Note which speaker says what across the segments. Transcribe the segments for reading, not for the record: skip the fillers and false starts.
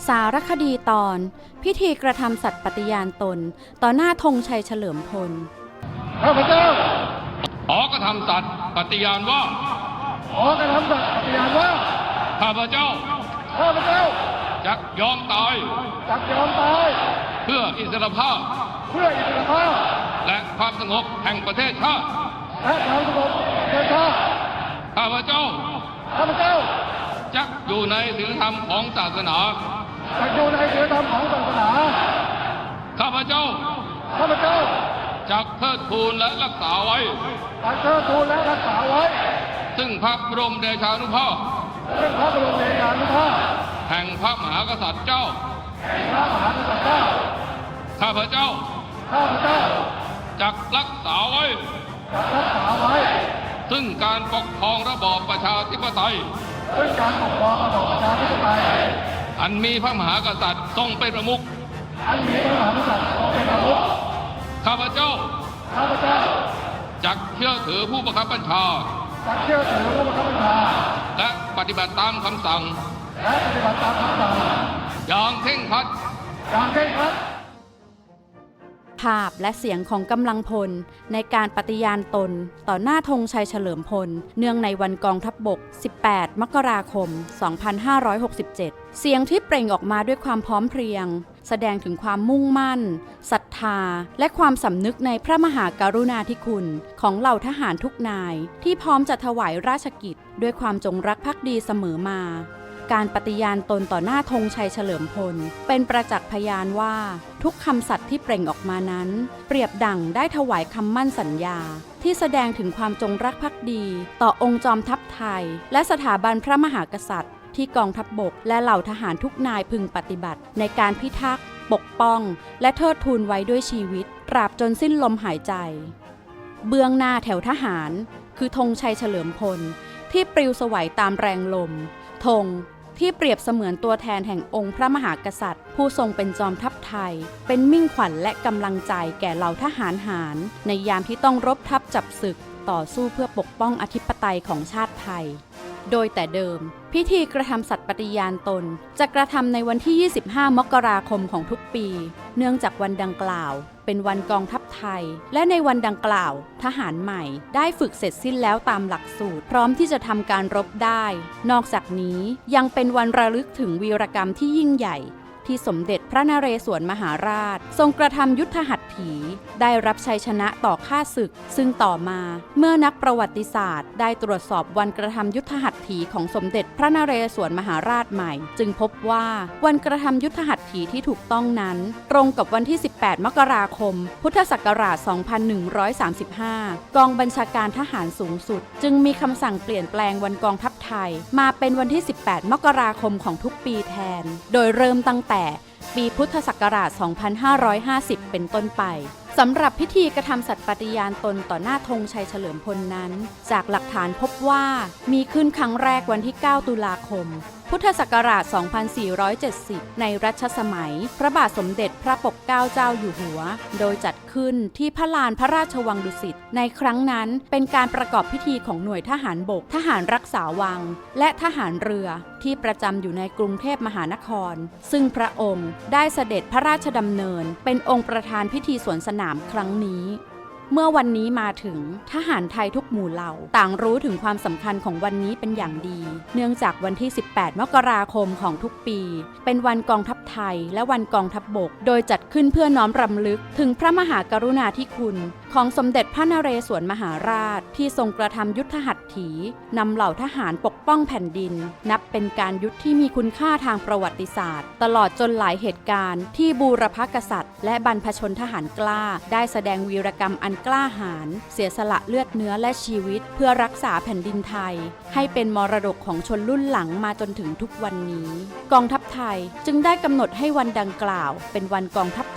Speaker 1: สารคดีตอนพิธีกระทำสัตย์ปฏิญาณตนต่อหน้าธงชัยเฉลิมพล
Speaker 2: ข้าพเจ้า
Speaker 3: ขอกระทำสัตย์ปฏิญาณว่าข้าพเจ้าจักยอมตายเพื่ออิสรภาพและความสงบแห่งประเทศชาติข้าพเจ้าจักอยู่ในศีลธรรมของศาสนาข้าพเจ้าจักเทิดทูนและรักษาไว้ซึ่งพระบรมเดชานุภาพแห่งพระมหากษัตริย์เจ้าข้าพเจ้าจักรักษาไว้ซึ่งการปกครองระบอบประชาธิปไตยอันมีพระมหากษัตริย์ทรงเป็นประมุขข้าพเจ้าจักเชื่อถือผู้บังคับบัญชาและปฏิบัติตามคำสั่งอย่างเคร่งครัด
Speaker 1: ภาพและเสียงของกำลังพลในการปฏิญาณตนต่อหน้าธงชัยเฉลิมพลเนื่องในวันกองทัพบก 18 มกราคม 2567 เสียงที่เปล่งออกมาด้วยความพร้อมเพรียงแสดงถึงความมุ่งมั่นศรัทธาและความสำนึกในพระมหากรุณาธิคุณของเหล่าทหารทุกนายที่พร้อมจะถวายราชกิจด้วยความจงรักภักดีเสมอมาการปฏิญาณตนต่อหน้าธงชัยเฉลิมพลเป็นประจักษ์พยานว่าทุกคำสัตย์ที่เปล่งออกมานั้นเปรียบดั่งได้ถวายคำมั่นสัญญาที่แสดงถึงความจงรักภักดีต่อองค์จอมทัพไทยและสถาบันพระมหากษัตริย์ที่กองทัพบกและเหล่าทหารทุกนายพึงปฏิบัติในการพิทักษ์ปกป้องและเทิดทูนไว้ด้วยชีวิตตราบจนสิ้นลมหายใจเบื้องหน้าแถวทหารคือธงชัยเฉลิมพลที่ปลิวสวัยตามแรงลมธงที่เปรียบเสมือนตัวแทนแห่งองค์พระมหากษัตริย์ผู้ทรงเป็นจอมทัพไทยเป็นมิ่งขวัญและกำลังใจแก่เหล่าทหารหารในยามที่ต้องรบทัพจับศึกต่อสู้เพื่อปกป้องอธิปไตยของชาติไทยโดยแต่เดิมพิธีกระทำสัตย์ปฏิญาณตนจะกระทำในวันที่ 25 มกราคมของทุกปีเนื่องจากวันดังกล่าวเป็นวันกองทัพไทยและในวันดังกล่าวทหารใหม่ได้ฝึกเสร็จสิ้นแล้วตามหลักสูตรพร้อมที่จะทำการรบได้นอกจากนี้ยังเป็นวันระลึกถึงวีรกรรมที่ยิ่งใหญ่ที่สมเด็จพระนเรศวรมหาราชทรงกระทำยุทธหัตถีได้รับชัยชนะต่อข้าศึกซึ่งต่อมาเมื่อนักประวัติศาสตร์ได้ตรวจสอบวันกระทำยุทธหัตถีของสมเด็จพระนเรศวรมหาราชใหม่จึงพบว่าวันกระทำยุทธหัตถีที่ถูกต้องนั้นตรงกับวันที่ 18 มกราคม พุทธศักราช 2135 กองบัญชาการทหารสูงสุดจึงมีคำสั่งเปลี่ยนแปลงวันกองทัพไทยมาเป็นวันที่ 18 มกราคมของทุกปีแทนโดยเริ่มตั้งแต่ปีพุทธศักราช 2550 เป็นต้นไปสำหรับพิธีกระทำสัตย์ปฏิญาณตนต่อหน้าธงชัยเฉลิมพลนั้นจากหลักฐานพบว่ามีขึ้นครั้งแรกวันที่ 9 ตุลาคมพุทธศักราช 2470 ในรัชสมัยพระบาทสมเด็จพระปกเกล้าเจ้าอยู่หัวโดยจัดขึ้นที่พระลานพระราชวังดุสิตในครั้งนั้นเป็นการประกอบพิธีของหน่วยทหารบกทหารรักษาวังและทหารเรือที่ประจำอยู่ในกรุงเทพมหานครซึ่งพระองค์ได้เสด็จพระราชดำเนินเป็นองค์ประธานพิธีสวนสนามครั้งนี้เมื่อวันนี้มาถึงทหารไทยทุกหมู่เหล่าต่างรู้ถึงความสำคัญของวันนี้เป็นอย่างดีเนื่องจากวันที่ 18 มกราคมของทุกปีเป็นวันกองทัพไทยและวันกองทัพบกโดยจัดขึ้นเพื่อน้อมรำลึกถึงพระมหากรุณาธิคุณของสมเด็จพระนเรศวรมหาราชที่ทรงกระทำยุทธหัตถีนำเหล่าทหารปกป้องแผ่นดินนับเป็นการยุทธที่มีคุณค่าทางประวัติศาสตร์ตลอดจนหลายเหตุการณ์ที่บูรพกษัตริย์และบรรพชนทหารกล้าได้แสดงวีรกรรมอันกล้าหาญเสียสละเลือดเนื้อและชีวิตเพื่อรักษาแผ่นดินไทยให้เป็นมรดกของชนรุ่นหลังมาจนถึงทุกวันนี้กองทัพไทยจึงได้กำหนดให้วันดังกล่าวเป็นวันกองทัพไท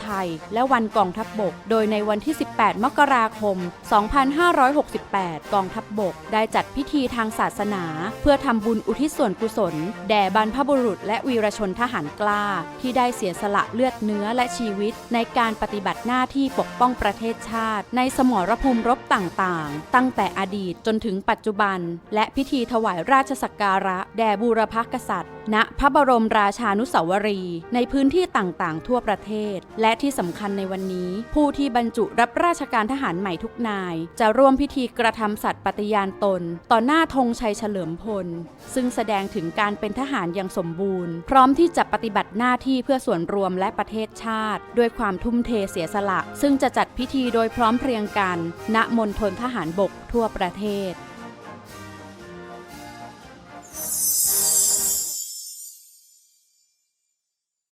Speaker 1: ยและวันกองทัพบกโดยในวันที่ 18 มกราคม 2568 กองทัพบกได้จัดพิธีทางศาสนาเพื่อทำบุญอุทิศส่วนกุศลแด่บรรพบุรุษและวีรชนทหารกล้าที่ได้เสียสละเลือดเนื้อและชีวิตในการปฏิบัติหน้าที่ปกป้องประเทศชาติในสมรภูมิรบต่างๆตั้งแต่อดีตจนถึงปัจจุบันและพิธีถวายราชสักการะแด่บูรพกษัตริย์ณพระบรมราชานุสาวรีย์ในพื้นที่ต่างๆทั่วประเทศและที่สำคัญในวันนี้ผู้ที่บรรจุรับราชการทหารใหม่ทุกนายจะร่วมพิธีกระทำสัตย์ปฏิญาณตนต่อหน้าธงชัยเฉลิมพลซึ่งแสดงถึงการเป็นทหารอย่างสมบูรณ์พร้อมที่จะปฏิบัติหน้าที่เพื่อส่วนรวมและประเทศชาติด้วยความทุ่มเทเสียสละซึ่งจะจัดพิธีโดยพร้อมเพรียงกันณมณฑลทหารบกทั่วประเทศ